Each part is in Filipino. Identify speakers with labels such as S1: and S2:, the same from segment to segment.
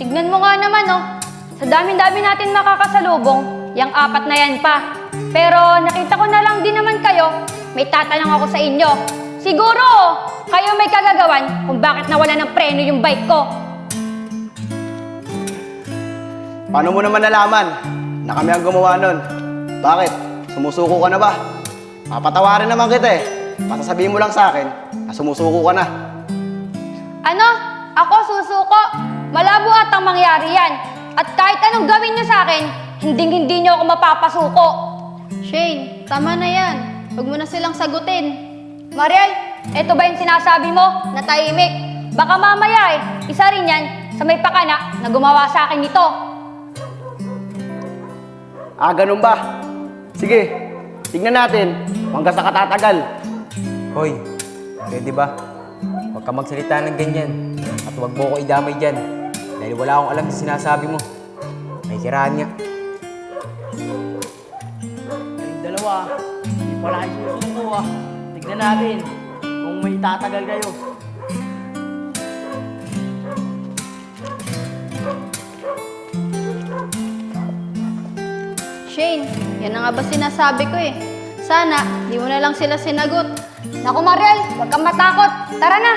S1: Tignan mo nga naman, oh. Sa dami-dami natin makakasalubong, yang apat na yan pa. Pero nakita ko na lang din naman kayo, may tatanong ako sa inyo. Siguro, kayo may kagagawan kung bakit nawala ng preno yung bike ko.
S2: Paano mo naman nalaman na kami ang gumawa nun? Bakit? Sumusuko ka na ba? Papatawarin naman kita eh. Basta sabihin mo lang sa akin na sumusuko ka na.
S1: Ano? Ako susuko? Malabo at ang mangyari yan. At kahit anong gawin nyo sa akin, hinding-hindi nyo ako mapapasuko.
S3: Shane, tama na yan. Huwag mo na silang sagutin.
S1: Mariel, eto ba yung sinasabi mo na tahimik? Baka mamaya isa rin yan sa may pakana na gumawa sa akin nito.
S2: Ah, ganun ba? Sige, tignan natin kung hanggang sa katatagal.
S4: Hoy, pwede ba? Huwag ka magsalita ng ganyan. At huwag mo ko idamay dyan. Dahil wala akong alam sa sinasabi mo. May kiraan niya.
S5: Yung dalawa, hindi pala kayo susuko ah. Tignan natin kung may tatagal kayo.
S3: Shane, yan na nga ba sinasabi ko eh. Sana, di mo na lang sila sinagot.
S1: Naku Mariel, huwag kang matakot. Tara na!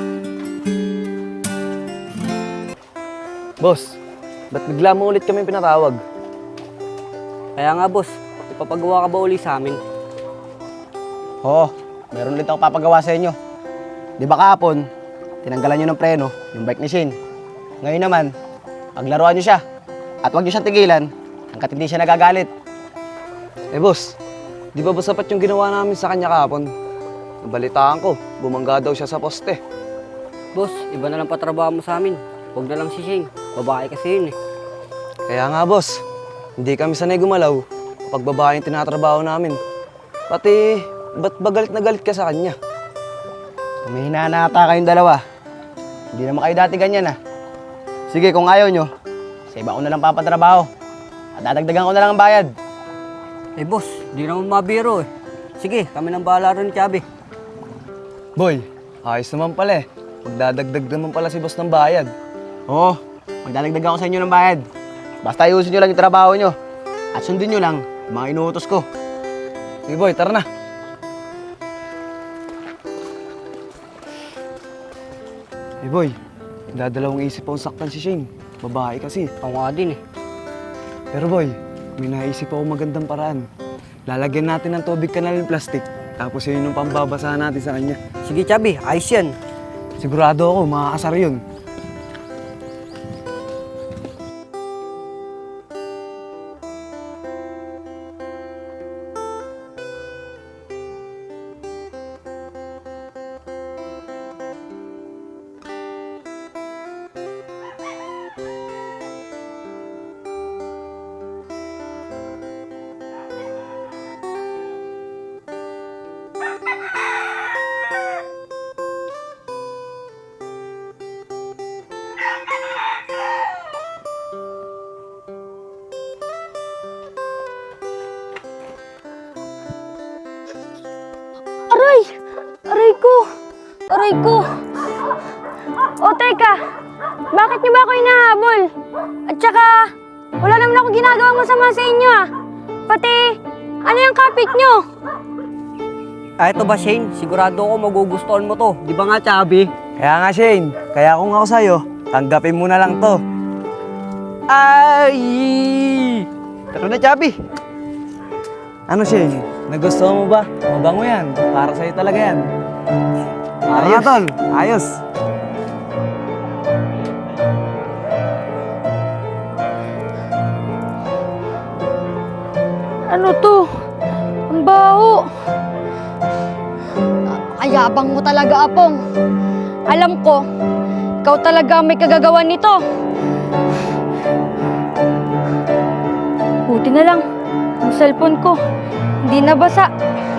S6: Boss, ba't bigla mo ulit kami pinatawag?
S7: Kaya nga boss, ipapagawa ka ba uli sa amin?
S2: Oo, meron ulit ako papagawa sa inyo. Di ba kahapon, tinanggalan nyo ng preno, yung bike ni Shane. Ngayon naman, paglaruan nyo siya. At huwag nyo siyang tigilan, hanggat hindi siya nagagalit.
S6: Eh boss, di ba sapat yung ginawa namin sa kanya kahapon? Nabalitaan ko, bumangga daw siya sa poste.
S7: Boss, iba na lang patrabaho mo sa amin. Huwag na lang si Shane. Babae kasi yun eh.
S6: Kaya nga boss, hindi kami sanay gumalaw kapag babae yung tinatrabaho namin. Pati, ba't ba galit na galit ka sa kanya?
S2: Humihina na ata kayong dalawa. Hindi naman kayo dati ganyan ah. Sige, kung ayaw nyo, sa iba ko na lang papatrabaho. At dadagdagan ko na lang ang bayad.
S7: Eh boss, di naman mabiro eh. Sige, kami nang bahala ron ni Chubby.
S6: Boy, ayos naman pala eh. Magdadagdag naman pala si boss ng bayad.
S2: Oo, magdadagdagan ko sa inyo ng bayad. Basta ayusin nyo lang yung trabaho nyo. At sundin nyo lang yung mga inuutos ko.
S6: Sige boy, tara na. Eh boy, dadalawang isip akong saktan si Shane. Babae kasi.
S7: Ako nga din eh.
S6: Pero boy, may naisip ako magandang paraan. Lalagyan natin ng tubig kanal ng plastic. Tapos yun yung pambabasahan natin sa kanya.
S7: Sige Chubby, ayos yan.
S6: Sigurado ako, makakasar yun.
S1: Aray! Aray ko! Aray ko! O teka, bakit niyo ba ako hinahabol? At saka, wala naman ako ginagawang masama sa inyo ah. Pati, ano yung kapit niyo?
S7: Ah, ito ba Shane? Sigurado ako magugustuhan mo to. Di ba nga Chubby?
S6: Kaya nga Shane, kaya kung ako sa'yo, tanggapin mo na lang to. Ay! Tara na, Chubby! Ano Shane, nagustuhan mo ba? Mabango yan, para sa'yo talaga yan. Ayos, tol. Ayos.
S1: Ano to? Ang baho. Ayabang mo talaga, Apong. Alam ko, ikaw talaga ang may kagagawan nito. Buti na lang, ang cellphone ko, hindi nabasa.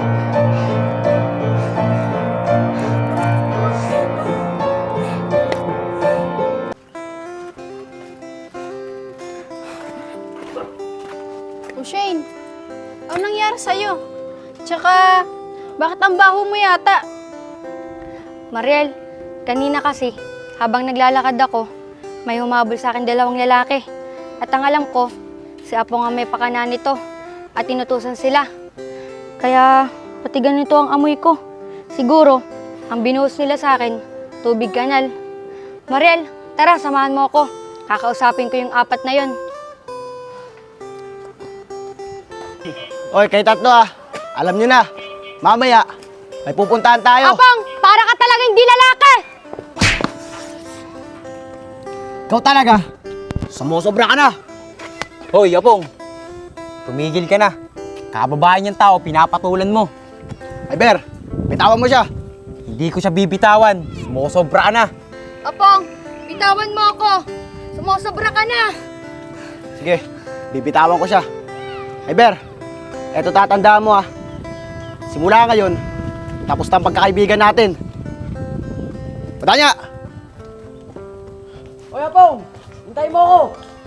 S3: O Shane, ano nangyari sa'yo? Tsaka, bakit ang baho mo yata?
S1: Mariel, kanina kasi, habang naglalakad ako, may humabol sa akin 2 lalaki. At ang alam ko, si Apong ang may pakana nito at tinutusan sila. Kaya pati ganito ang amoy ko. Siguro, ang binuhos nila sa akin, tubig kanal. Mariel, tara, samahan mo ako. Kakausapin ko yung 4 na yon.
S2: Oy, kayo tatlo alam nyo na, mamaya, may pupuntahan tayo.
S1: Apong, para ka talagang di lalaki!
S2: Ikaw talaga, sumusobra ka na.
S4: Hoy, Apong! Tumigil ka na. Kababae niyang tao, pinapatulan mo.
S2: Ay, Ber, bitawan mo siya.
S4: Hindi ko siya bibitawan. Sumusobra ka na.
S1: Apong, bitawan mo ako. Sumusobra ka na.
S2: Sige, bibitawan ko siya. Ay, Ber, eto tatandaan mo Simula ngayon, tapos na ang pagkakaibigan natin. Padanya!
S5: Oy, Apong! Hintay mo ako!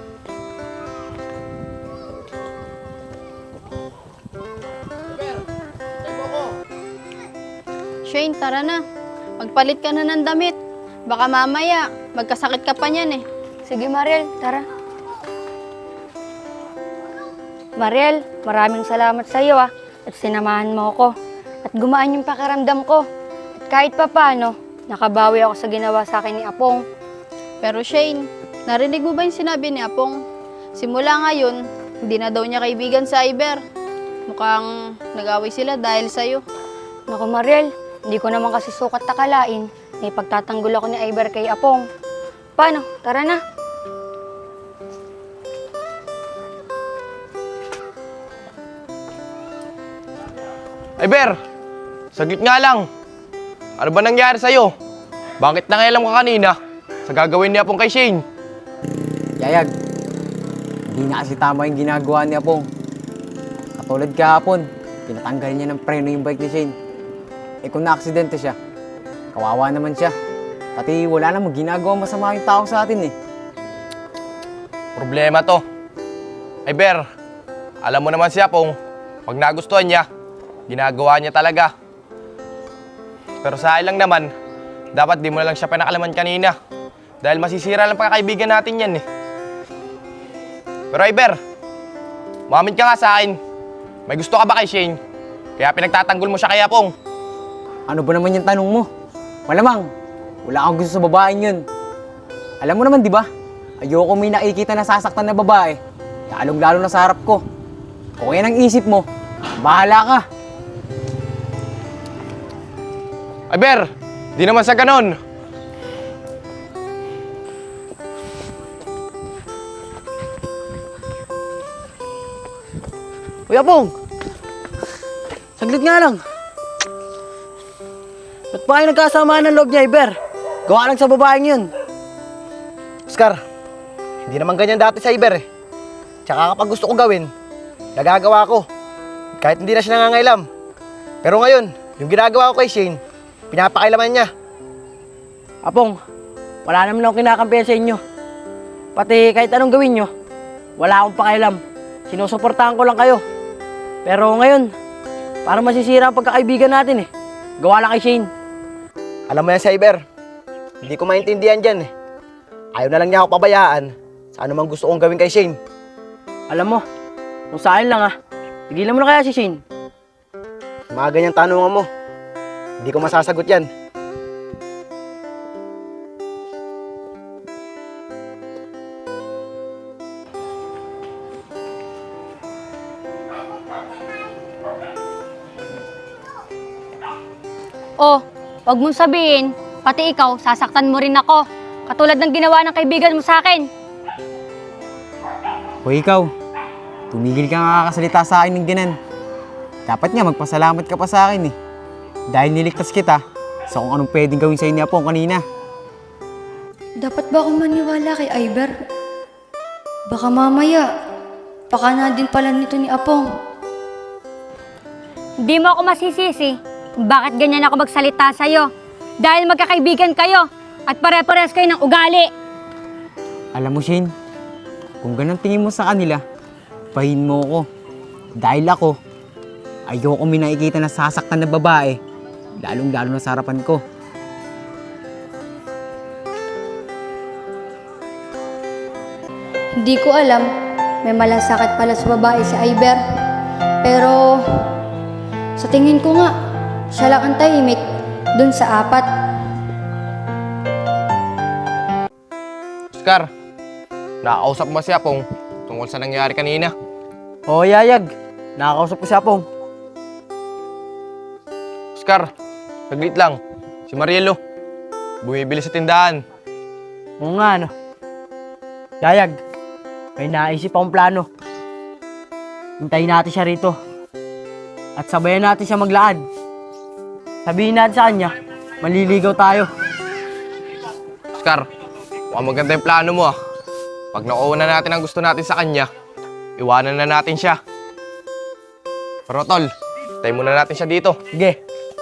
S3: Shane, tara na. Magpalit ka na ng damit. Baka mamaya, magkasakit ka pa niyan eh.
S1: Sige, Mariel, tara. Mariel, maraming salamat sa iyo at sinamahan mo ako. At gumaan yung pakiramdam ko. At kahit papaano, nakabawi ako sa ginawa sa akin ni Apong.
S3: Pero Shane, narinig mo ba yung sinabi ni Apong? Simula ngayon, hindi na daw niya kaibigan sa Iber. Mukhang nag-away sila dahil sa'yo.
S1: Naku, Mariel, hindi ko naman kasi sukat takalain na ipagtatanggol ako ni Iber kay Apong. Paano? Tara na.
S8: Ay, Ber! Saglit nga lang. Ano ba nangyari sa'yo? Bakit nangialam ka kanina sa gagawin ni Apong kay Shane?
S4: Yayag, hindi na kasi tama yung ginagawa ni Apong. Katulad kahapon, pinatanggal niya ng preno yung bike ni Shane. Eh kung na-aksidente siya, kawawa naman siya. Pati wala namang ginagawa masama yung tao sa atin eh.
S8: Problema to. Ay, Ber, alam mo naman si Apong, pag nagustuhan niya, ginagawa niya talaga. Pero sa akin lang naman, dapat di mo na lang siya pinakalaman kanina. Dahil masisira lang pagkakaibigan natin yan eh. Pero ay, Ber, umamin ka nga sa akin. May gusto ka ba kay Shane? Kaya pinagtatanggol mo siya kay Apong.
S4: Ano ba naman yung tanong mo? Malamang, wala akong gusto sa babaeng yun. Alam mo naman, di ba? Ayoko may nakikita na sasaktan na babae. Lalong-lalo na sa harap ko. Kung yan ang isip mo, bahala ka.
S8: Ay, Ber, di naman sa ganon.
S5: Uy, Apong! Saglit nga lang. Ba't pa kayo nagkasamaan ng loob niya, Iber? Gawa lang sa babaeng yun.
S2: Oscar, hindi naman ganyan dati sa Iber eh. Tsaka kapag gusto ko gawin, nagagawa ko. Kahit hindi na siya nangangailam. Pero ngayon, yung ginagawa ko kay Shane, pinapakailaman niya.
S5: Apong, wala naman akong kinakampihan sa inyo. Pati kahit anong gawin nyo, wala akong pakialam. Sinusuportahan ko lang kayo. Pero ngayon, parang masisira ang pagkakaibigan natin eh. Gawa lang kay Shane.
S2: Alam mo yan sa Iber, hindi ko maintindihan dyan eh. Ayaw na lang niya ako pabayaan sa anumang gusto kong gawin kay Shane.
S5: Alam mo, kung sa akin lang tigilan mo na kaya si Shane.
S2: Mga ganyang tanungan mo, hindi ko masasagot yan.
S1: Oh, wag mong sabihin, pati ikaw, sasaktan mo rin ako. Katulad ng ginawa ng kaibigan mo sa akin.
S4: Hoy ikaw, tumigil ka nga kakasalita sa akin ng ganan. Dapat nga magpasalamat ka pa sa akin eh. Dahil niligtas kita sa kung anong pwedeng gawin sa'yo ni Apong kanina.
S1: Dapat ba akong maniwala kay Iber? Baka mamaya, pakana din pala nito ni Apong. Hindi mo ako masisisi. Bakit ganyan ako magsalita sa'yo? Dahil magkakaibigan kayo at pare-pares kayo ng ugali.
S4: Alam mo Shane, kung ganun tingin mo sa kanila, pahin mo ko. Dahil ako, ayoko may nakikita na sasaktan na babae, lalong-lalo na sa harapan ko.
S1: Hindi ko alam, may malasakit pala sa babae si Iber. Pero, sa tingin ko nga, siya lang ang tahimik dun sa apat.
S8: Oscar, nakakausap mo si Apong tungkol sa nangyari kanina.
S5: Oo, Yayag. Nakakausap ko si Apong.
S8: Oscar, saglit lang. Si Marielo, bumibili sa tindahan.
S5: Oo nga, ano. Yayag, may naisip akong plano. Hintayin natin siya rito. At sabayan natin siya maglaan. Sabihin natin sa kanya, maliligaw tayo.
S8: Oscar, mukhang maganda yung plano mo ah. Pag nakuha na natin ang gusto natin sa kanya, iwanan na natin siya. Pero tol, tayo muna natin siya dito.
S5: Sige.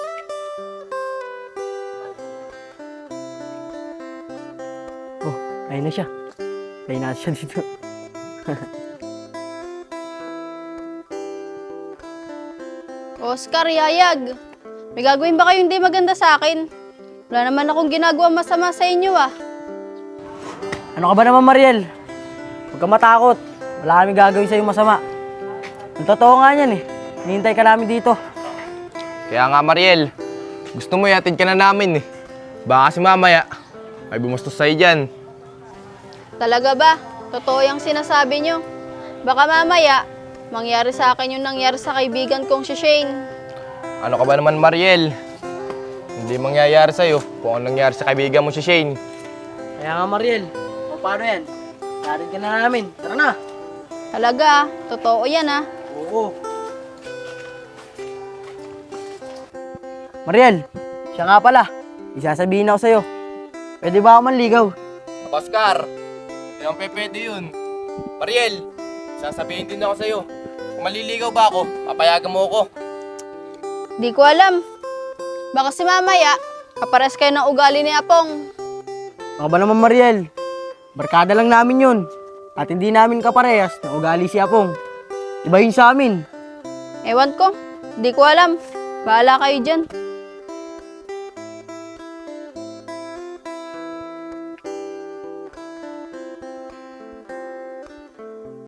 S5: Oh, ayun na siya. Tayo natin siya dito.
S3: Oscar, Yayag, may gagawin ba kayong hindi maganda sa akin? Wala naman akong ginagawa masama sa inyo ah.
S5: Ano ka ba naman, Mariel? Huwag ka matakot. Wala kami gagawin sa'yo masama. Ang totoo nga yan eh. Hinihintay ka namin dito.
S8: Kaya nga Mariel, gusto mo ihatid ka na namin eh. Baka kasi mamaya, may bumustos sa'yo dyan.
S3: Talaga ba? Totoo yung sinasabi nyo. Baka mamaya, mangyari sa akin yung nangyari sa kaibigan kong si Shane.
S8: Ano ka ba naman Mariel? Hindi mangyayari sa'yo kung anong nangyari sa kaibigan mo si Shane.
S5: Kaya nga, Mariel. O, paano yan? Narin ka na namin. Tara na.
S3: Talaga ah, totoo yan ah.
S5: Oo. Mariel, siya nga pala. Isasabihin ako sa'yo. Pwede ba ako manligaw?
S8: Oscar, hindi naman pwede yun. Mariel, sasabihin din ako sa'yo. Kung maliligaw ba ako, papayagan mo ako.
S3: Di ko alam. Baka si mamaya, kapares kayo ng ugali ni Apong.
S5: Baka ba naman, Mariel? Barkada lang namin yun. At hindi namin kaparehas na ugali si Apong. Iba yun sa amin.
S3: Ewan ko, di ko alam. Bahala kayo dyan.